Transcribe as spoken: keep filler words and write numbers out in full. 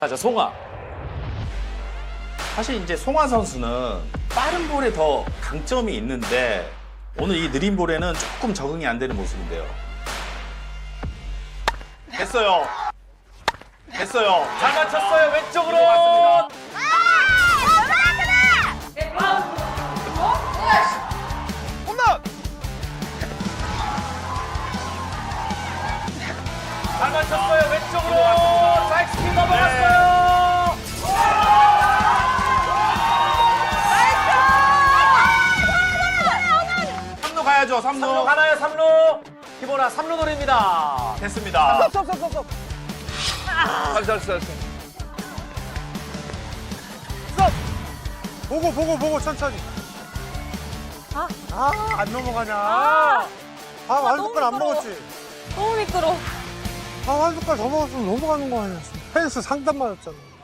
자, 송아. 사실 이제 송아 선수는 빠른 볼에 더 강점이 있는데 오늘 이 느린 볼에는 조금 적응이 안 되는 모습인데요. 됐어요. 됐어요. 잘 맞췄어요. 왼쪽으로. 홈런. 잘 맞췄어요. 왼쪽으로. 스트라이크 스피드 넘어갔어요. 삼 루 가야죠. 삼 루. 삼 루 가나요? 삼 루. 기보나 삼 루 노립니다. 됐습니다. 스톱, 스톱, 스톱, 스톱. 잘했어, 잘했어, 잘했어. 스톱. 보고, 보고, 보고, 천천히. 아, 아, 안 넘어가냐. 아, 아, 한 너무 숟갈 안 미끄러워. 먹었지. 너무 미끄러. 아, 한 숟갈 더 먹었으면 넘어가는 거 아니야. 펜스 상단 맞았잖아.